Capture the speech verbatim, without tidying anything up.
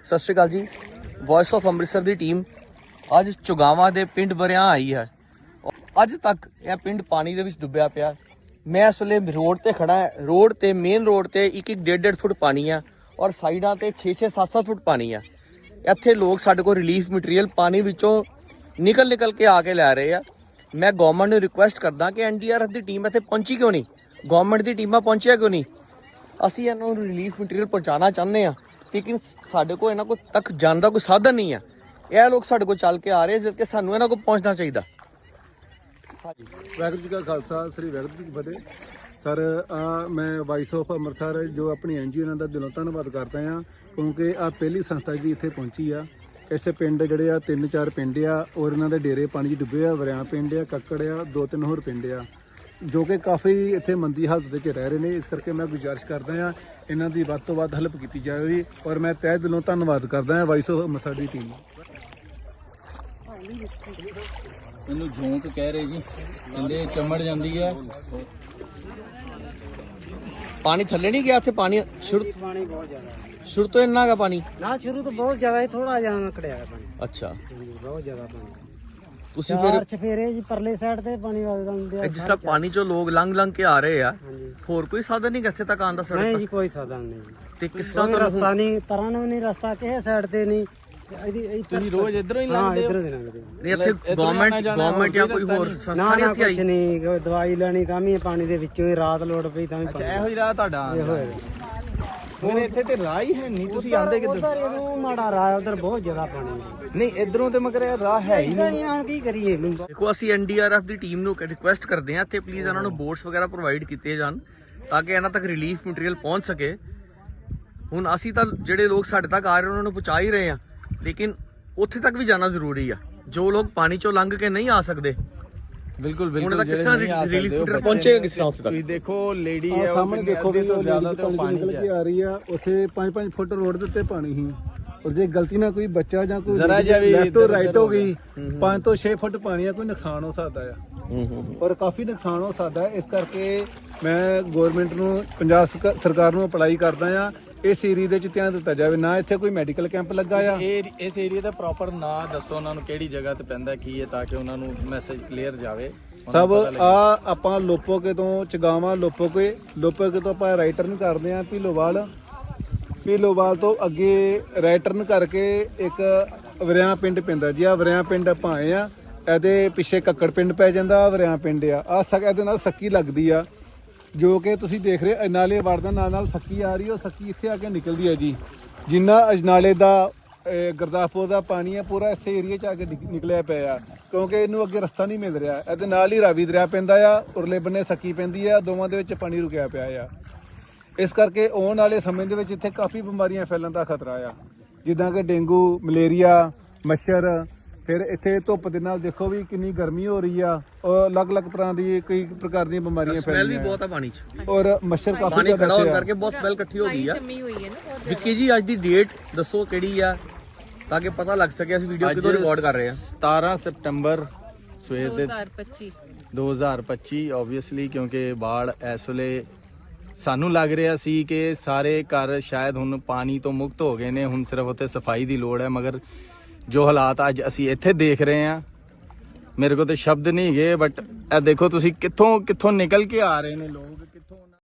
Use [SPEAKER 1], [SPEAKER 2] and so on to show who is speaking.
[SPEAKER 1] ਸਤਿ Sri Akal ji. Voice of Amritsar ਦੀ team ਅੱਜ ਚੁਗਾਵਾਂ ਦੇ ਪਿੰਡ ਵਰਿਆਂ ਆਈ ਹੈ। ਅੱਜ ਤੱਕ ਇਹ ਪਿੰਡ ਪਾਣੀ ਦੇ ਵਿੱਚ ਡੁੱਬਿਆ ਪਿਆ। ਮੈਂ ਇਸ ਵੇਲੇ ਰੋਡ ਤੇ ਖੜਾ ਹਾਂ। ਰੋਡ ਤੇ ਮੇਨ ਰੋਡ ਤੇ ਇੱਕ ਇੱਕ ਡੇਢ ਡੇਢ ਫੁੱਟ ਪਾਣੀ ਆ ਔਰ ਸਾਈਡਾਂ ਤੇ ਛੇ ਛੇ ਸੱਤ ਸੱਤ ਫੁੱਟ ਪਾਣੀ ਆ। ਇੱਥੇ ਲੋਕ ਸਾਡੇ ਕੋਲ ਰਿਲੀਫ ਮਟੀਰੀਅਲ ਪਾਣੀ ਵਿੱਚੋਂ ਨਿਕਲ ਨਿਕਲ ਕੇ ਆ ਕੇ ਲੈ ਰਹੇ ਆ। ਮੈਂ ਗਵਰਨਮੈਂਟ ਨੂੰ ਰਿਕੁਐਸਟ ਕਰਦਾ ਕਿ ਐਨ ਡੀ ਆਰ ਐਫ ਦੀ ਟੀਮ ਇੱਥੇ ਪਹੁੰਚੀ ਕਿਉਂ ਨਹੀਂ, ਗਵਰਨਮੈਂਟ ਦੀ ਟੀਮਾਂ ਪਹੁੰਚਿਆ ਕਿਉਂ ਨਹੀਂ। ਅਸੀਂ ਇਹਨਾਂ ਨੂੰ ਰਿਲੀਫ ਮਟੀਰੀਅਲ ਪਹੁੰਚਾਉਣਾ ਚਾਹੁੰਦੇ ਹਾਂ, ਲੇਕਿਨ ਸਾਡੇ ਕੋਲ ਇਹਨਾਂ ਕੋਲ ਤੱਕ ਜਾਣ ਦਾ ਕੋਈ ਸਾਧਨ ਨਹੀਂ ਆ। ਇਹ ਲੋਕ ਸਾਡੇ ਕੋਲ ਚੱਲ ਕੇ ਆ ਰਹੇ ਜਦ ਕਿ ਸਾਨੂੰ ਇਹਨਾਂ ਕੋਲ ਪਹੁੰਚਣਾ ਚਾਹੀਦਾ।
[SPEAKER 2] ਹਾਂਜੀ, ਵਾਹਿਗੁਰੂ ਜੀ ਕਾ ਖਾਲਸਾ, ਸ੍ਰੀ ਵਾਹਿਗੁਰੂ ਜੀ ਕੀ ਫਤਿਹ। ਸਰ ਮੈਂ ਵਾਇਸ ਆਫ ਅੰਮ੍ਰਿਤਸਰ ਜੋ ਆਪਣੀ ਐਨ ਜੀ ਓ ਇਹਨਾਂ ਦਾ ਦਿਲੋਂ ਧੰਨਵਾਦ ਕਰਦਾ ਹਾਂ, ਕਿਉਂਕਿ ਆ ਪਹਿਲੀ ਸੰਸਥਾ ਜੀ ਇੱਥੇ ਪਹੁੰਚੀ ਆ। ਇਸੇ ਪਿੰਡ ਜਿਹੜੇ ਆ ਤਿੰਨ ਚਾਰ ਪਿੰਡ ਆ ਔਰ ਇਹਨਾਂ ਦੇ ਡੇਰੇ ਪਾਣੀ 'ਚ ਡੁੱਬੇ ਆ। ਵਰਿਆਂ ਪਿੰਡ ਆ, ਕੱਕੜ ਆ, ਦੋ ਤਿੰਨ ਹੋਰ ਪਿੰਡ ਆ ਜੋ ਕਿ ਕਾਫੀ ਇੱਥੇ ਮੰਦੀ ਹਾਲਤ ਵਿੱਚ ਰਹਿ ਰਹੇ ਨੇ। ਇਸ ਕਰਕੇ ਮੈਂ ਗੁਜ਼ਾਰਿਸ਼ ਕਰਦਾ ਹਾਂ ਇਹਨਾਂ ਦੀ ਵੱਧ ਤੋਂ ਵੱਧ ਹੈਲਪ ਕੀਤੀ ਜਾਵੇ ਔਰ ਮੈਂ ਤਹਿ ਦਿਲੋਂ ਧੰਨਵਾਦ ਕਰਦਾ ਹਾਂ ਵਾਇਸ ਆਫ ਅੰਮ੍ਰਿਤਸਰ ਦੀ ਟੀਮ।
[SPEAKER 3] ਇਹਨੂੰ ਝੋਂਕ ਕਹਿ ਰਹੇ ਜੀ, ਕਹਿੰਦੇ ਚਮੜ ਜਾਂਦੀ ਹੈ।
[SPEAKER 1] ਪਾਣੀ ਥੱਲੇ ਨਹੀਂ ਗਿਆ, ਇੱਥੇ ਪਾਣੀ ਸ਼ੁਰੂ
[SPEAKER 4] पानी बहुत ज्यादा है
[SPEAKER 1] ਸ਼ੁਰੂ ਤੋਂ ਇੰਨਾ ਗਾ ਪਾਣੀ।
[SPEAKER 4] ना, शुरू तो बहुत ज्यादा है, थोड़ा ज्यादा कड़िया है पानी।
[SPEAKER 1] ਅੱਛਾ,
[SPEAKER 4] बहुत ज्यादा पानी।
[SPEAKER 1] ਤੁਸੀਂ
[SPEAKER 4] चार
[SPEAKER 1] ਫਿਰ
[SPEAKER 4] चफेरे जी परले साइड ते पानी वगदा ਹੁੰਦੇ
[SPEAKER 1] ਜਿਸ ਤਰ੍ਹਾਂ ਪਾਣੀ ਚੋਂ ਲੋਕ ਲੰਘ ਲੰਘ ਕੇ ਆ ਰਹੇ ਆ,
[SPEAKER 4] ਹਾਂਜੀ।
[SPEAKER 1] ਹੋਰ ਕੋਈ ਸਾਧਨ ਨਹੀਂ ਇੱਥੇ ਤੱਕ ਆਉਣ ਦਾ ਸੜਕ
[SPEAKER 4] नहीं
[SPEAKER 1] ਤੱਕ?
[SPEAKER 4] जी कोई साधन नहीं,
[SPEAKER 1] ਤੇ ਕਿਸ ਤਰ੍ਹਾਂ
[SPEAKER 4] कोई
[SPEAKER 1] ਤੁਹਾਨੂੰ
[SPEAKER 4] रास्ता नहीं, तरह ਨੂੰ नहीं रास्ता ਕਿਸੇ ਸਾਈਡ ਤੇ ਨਹੀਂ।
[SPEAKER 3] ਤੁਸੀਂ ਰੋਜ਼ ਇਧਰੋਂ ਹੀ
[SPEAKER 4] ਹਾਂ
[SPEAKER 3] ਲੰਘਦੇ
[SPEAKER 4] ਇਧਰੋਂ
[SPEAKER 3] ਹੋ?
[SPEAKER 4] ਦੇ ਲੰਘਦੇ ਹਾਂ।
[SPEAKER 1] ਨਹੀਂ ਇੱਥੇ ਗਵਰਨਮੈਂਟ ਗਵਰਨਮੈਂਟ ਜਾਂ ਕੋਈ ਹੋਰ ਸੰਸਥਾ
[SPEAKER 4] ਨਾ
[SPEAKER 1] ਨਹੀਂ
[SPEAKER 4] ਨਾ
[SPEAKER 1] ਇੱਥੇ ਆਈ?
[SPEAKER 4] ਕੁਛ ਨਹੀਂ, ਕੋਈ ਦਵਾਈ ਲੈਣੀ ਤਾਂ ਵੀ ਪਾਣੀ ਦੇ ਵਿੱਚੋਂ ਹੀ ਰਾਤ ਲੋੜ ਪਈ ਤਾਂ ਵੀ
[SPEAKER 3] ਅੱਛਾ,
[SPEAKER 4] ਪਾਣੀ
[SPEAKER 3] ਇਹੋ ਹੀ ਰਾਹ ਤੁਹਾਡਾ ਆਉਣ
[SPEAKER 4] ਇਹੋ
[SPEAKER 3] ਦਾ।
[SPEAKER 4] ਹੈ।
[SPEAKER 3] ਹੁਣ ਇੱਥੇ ਤੇ ਰਾਹ ਹੀ ਹੈ ਨਹੀਂ, ਤੁਸੀਂ ਆਂਦੇ ਕਿੱਧਰ?
[SPEAKER 4] ਉਧਰ ਇਹਨੂੰ ਮਾੜਾ ਰਾਹ, ਉਧਰ ਬਹੁਤ ਜ਼ਿਆਦਾ ਪਾਣੀ ਹੈ।
[SPEAKER 3] ਨਹੀਂ ਇਧਰੋਂ ਤੇ ਮਗਰ ਇਹ ਰਾਹ ਹੈ ਹੀ ਨਹੀਂ।
[SPEAKER 4] ਨਹੀਂ ਆ ਕੀ ਕਰੀਏ ਇਹਨੂੰ।
[SPEAKER 1] ਦੇਖੋ ਅਸੀਂ ਐਨ ਡੀ ਆਰ ਐਫ ਦੀ ਟੀਮ ਨੂੰ ਰਿਕੁਐਸਟ ਕਰਦੇ ਹਾਂ ਇੱਥੇ ਪਲੀਜ਼ ਇਹਨਾਂ ਨੂੰ ਬੋਟਸ ਵਗੈਰਾ ਪ੍ਰੋਵਾਈਡ ਕੀਤੇ ਜਾਣ ਤਾਂ ਕਿ ਇਹਨਾਂ ਤੱਕ ਰਿਲੀਫ ਮਟੀਰੀਅਲ ਪਹੁੰਚ ਸਕੇ। ਹੁਣ ਅਸੀਂ ਤਾਂ ਜਿਹੜੇ ਲੋਕ ਸਾਡੇ ਤੱਕ ਆ ਰਹੇ ਉਹਨਾਂ ਨੂੰ ਪਹੁੰਚਾ ਹੀ ਰਹੇ ਹਾਂ, ਲੇਕਿਨ ਉੱਥੇ ਤੱਕ ਵੀ ਜਾਣਾ ਜ਼ਰੂਰੀ ਆ। ਜੋ ਲੋਕ ਪਾਣੀ ਚੋਂ ਲੰਘ ਕੇ ਨਹੀਂ ਆ ਸਕਦੇ,
[SPEAKER 3] ਬਿਲਕੁਲ
[SPEAKER 1] ਹੁਣ
[SPEAKER 3] ਬਿਲਕੁਲ
[SPEAKER 1] ਇਹਦਾ ਕਿਸ ਤਰ੍ਹਾਂ relief material ਪਹੁੰਚੇਗਾ ਕਿਸ ਤਰ੍ਹਾਂ ਉੱਥੇ ਤੱਕ?
[SPEAKER 3] ਤੁਸੀਂ ਦੇਖੋ ਲੇਡੀ
[SPEAKER 2] ਆਹ
[SPEAKER 3] ਹੈ ਉਹ
[SPEAKER 2] ਸਾਹਮਣੇ ਦੇਖੋ ਵੀ
[SPEAKER 3] ਤੋਂ ਜ਼ਿਆਦਾ ਤੇ ਉਹ
[SPEAKER 2] ਪਾਣੀ
[SPEAKER 3] ਪਾਣੀ
[SPEAKER 2] ਨਿਕਲ
[SPEAKER 3] ਚ
[SPEAKER 2] ਕੇ
[SPEAKER 3] ਹੈ।
[SPEAKER 2] ਆ ਰਹੀ ਆ। ਉੱਥੇ ਪੰਜ ਪੰਜ ਫੁੱਟ ਰੋਡ ਦੇ ਉੱਤੇ ਪਾਣੀ ਸੀ ਔਰ ਜੇ ਗਲਤੀ ਨਾਲ ਕੋਈ ਬੱਚਾ ਜਾਂ ਕੋਈ
[SPEAKER 3] ਜ਼ਰਾ ਜਿਹਾ ਵੀ
[SPEAKER 2] ਲੈਫਟ ਤੋਂ
[SPEAKER 3] ਇੱਧਰ
[SPEAKER 2] ਰਾਈਟ
[SPEAKER 3] ਉੱਧਰ
[SPEAKER 2] ਹੋ
[SPEAKER 3] ਹੋ
[SPEAKER 2] ਗਈ, ਪੰਜ ਤੋਂ ਛੇ ਫੁੱਟ ਪਾਣੀ ਆ, ਕੋਈ ਨੁਕਸਾਨ ਹੋ ਸਕਦਾ ਆ
[SPEAKER 1] ਹੂੰ ਹੂੰ
[SPEAKER 2] ਔਰ ਕਾਫੀ ਨੁਕਸਾਨ ਹੋ ਸਕਦਾ ਹੈ। ਇਸ ਕਰਕੇ ਮੈਂ ਗਵਰਨਮੈਂਟ ਨੂੰ, ਪੰਜਾਬ ਸਰਕਾ- ਸਰਕਾਰ ਨੂੰ ਅਪਲਾਈ ਕਰਦਾ ਆ ਇਸ ਏਰੀਆ ਦੇ ਵਿੱਚ ਧਿਆਨ ਦਿੱਤਾ ਜਾਵੇ। ਨਾ ਇੱਥੇ ਕੋਈ ਮੈਡੀਕਲ ਕੈਂਪ ਲੱਗਾ ਆ।
[SPEAKER 3] ਇਹ ਇਸ ਏਰੀਆ ਦਾ ਪ੍ਰੋਪਰ ਨਾਂ ਦੱਸੋ ਉਹਨਾਂ ਨੂੰ, ਕਿਹੜੀ ਜਗ੍ਹਾ ਤੇ ਪੈਂਦਾ ਕੀ ਹੈ, ਤਾਂ ਕਿ ਉਹਨਾਂ ਨੂੰ ਮੈਸੇਜ ਕਲੀਅਰ ਜਾਵੇ। ਉਹਨਾਂ
[SPEAKER 2] ਸਭ
[SPEAKER 3] ਨੂੰ ਪਤਾ ਲੱਗੇ।
[SPEAKER 2] ਆ ਆਪਾਂ ਲੋਪੋਕੇ ਤੋਂ ਚਗਾਵਾਂ, ਲੋਪੋਕੇ ਲੋਪੋਕੇ ਤੋਂ ਆਪਾਂ ਰਾਈਟ ਟਰਨ ਕਰਦੇ ਆ ਭੀਲੋਵਾਲ। ਭੀਲੋਵਾਲ ਤੋਂ ਅੱਗੇ ਰਾਈਟ ਟਰਨ ਕਰਕੇ ਇੱਕ ਵਰਿਆਂ ਪਿੰਡ ਪੈਂਦਾ ਜੀ। ਆ ਵਰਿਆਂ ਪਿੰਡ ਆਪਾਂ ਆਏ ਆ, ਇਹਦੇ ਪਿੱਛੇ ਕੱਕੜ ਪਿੰਡ ਪੈ ਜਾਂਦਾ, ਵਰਿਆਂ ਪਿੰਡ ਆ। ਆ ਸਕ ਇਹਦੇ ਨਾਲ ਸੱਕੀ ਲੱਗਦੀ ਆ ਜੋ ਕਿ ਤੁਸੀਂ ਦੇਖ ਰਹੇ ਨਾਲੇ ਵੜਦਾ ਨਾਲ ਨਾਲ ਸੱਕੀ ਆ ਰਹੀ, ਉਹ ਸੱਕੀ ਇੱਥੇ ਆ ਕੇ ਨਿਕਲਦੀ ਹੈ ਜੀ। ਜਿੰਨਾ ਅਜਨਾਲੇ ਦਾ ਇਹ ਗੁਰਦਾਸਪੁਰ ਦਾ ਪਾਣੀ ਹੈ ਪੂਰਾ ਇਸੇ ਏਰੀਆ 'ਚ ਆ ਕੇ ਨਿਕ- ਨਿਕਲਿਆ ਪਿਆ ਆ, ਕਿਉਂਕਿ ਇਹਨੂੰ ਅੱਗੇ ਰਸਤਾ ਨਹੀਂ ਮਿਲ ਰਿਹਾ। ਇਹਦੇ ਨਾਲ ਹੀ ਰਾਵੀ ਦਰਿਆ ਪੈਂਦਾ ਆ, ਉਰਲੇ ਬੰਨੇ ਸੱਕੀ ਪੈਂਦੀ ਆ, ਦੋਵਾਂ ਦੇ ਵਿੱਚ ਪਾਣੀ ਰੁਕਿਆ ਪਿਆ ਆ। ਇਸ ਕਰਕੇ ਆਉਣ ਵਾਲੇ ਸਮੇਂ ਦੇ ਵਿੱਚ ਇੱਥੇ ਕਾਫੀ ਬਿਮਾਰੀਆਂ ਫੈਲਣ ਦਾ ਖਤਰਾ ਆ, ਜਿੱਦਾਂ ਕਿ ਡੇਂਗੂ, ਮਲੇਰੀਆ, ਮੱਛਰ। ਫਿਰ ਇੱਥੇ ਧੁੱਪ ਦੇ ਨਾਲ ਦੇਖੋ ਵੀ ਕਿੰਨੀ ਗਰਮੀ ਹੋ ਰਹੀ ਆ ਔਰ ਅਲੱਗ-ਅਲੱਗ ਤਰ੍ਹਾਂ ਦੀ ਕਈ ਪ੍ਰਕਾਰ ਦੀਆਂ ਬਿਮਾਰੀਆਂ
[SPEAKER 1] ਸਮੈਲ ਵੀ
[SPEAKER 2] ਫੈਲਦੀਆਂ
[SPEAKER 1] ਬਹੁਤ ਆ ਪਾਣੀ 'ਚ।
[SPEAKER 2] ਔਰ ਮੱਛਰ ਕਾਫੀ
[SPEAKER 1] ਪਾਣੀ
[SPEAKER 2] ਜ਼ਿਆਦਾ
[SPEAKER 1] ਖੜਾ ਹੋਣ
[SPEAKER 2] ਇੱਥੇ ਆ।
[SPEAKER 1] ਕਰਕੇ ਬਹੁਤ ਸਮੈਲ ਇਕੱਠੀ ਹੋ ਗਈ ਆ।
[SPEAKER 5] ਜੰਮੀ ਹੋਈ ਹੈ ਨਾ ਬਹੁਤ
[SPEAKER 1] ਵਿੱਕੀ ਜੀ ਅੱਜ ਦੀ ਡੇਟ ਦੱਸੋ ਕਿਹੜੀ ਆ ਤਾਂ ਕਿ ਪਤਾ ਲੱਗ ਸਕੇ ਅਸੀਂ ਵੀਡੀਓ ਕਿਦੋਂ ਰਿਕਾਰਡ ਕਰ ਰਹੇ ਹਾਂ।
[SPEAKER 3] ਸਤਾਰਾਂ ਸਤੰਬਰ ਸਵੇਰ ਦੇ
[SPEAKER 5] ਦੋ ਹਜ਼ਾਰ ਪੱਚੀ
[SPEAKER 3] ਦੋ ਹਜ਼ਾਰ ਪੱਚੀ ਓਬਵੀਅਸਲੀ, ਕਿਉਂਕਿ ਬਾੜ ਇਸ ਵੇਲੇ ਸਾਨੂੰ ਲੱਗ ਰਿਹਾ ਸੀ ਕਿ ਸਾਰੇ ਘਰ ਸ਼ਾਇਦ ਹੁਣ ਪਾਣੀ ਤੋਂ ਮੁਕਤ ਹੋ ਗਏ ਨੇ, ਹੁਣ ਸਿਰਫ ਉੱਥੇ ਸਫਾਈ ਦੀ ਲੋੜ ਹੈ। ਮਗਰ ਜੋ ਹਾਲਾਤ ਅੱਜ ਅਸੀਂ ਇੱਥੇ ਦੇਖ ਰਹੇ ਹਾਂ, ਮੇਰੇ ਕੋਲ ਤੇ ਸ਼ਬਦ ਨਹੀਂ ਹੈਗੇ। ਬਟ ਇਹ ਦੇਖੋ ਤੁਸੀਂ ਕਿੱਥੋਂ ਕਿੱਥੋਂ ਨਿਕਲ ਕੇ ਆ ਰਹੇ ਨੇ ਲੋਕ,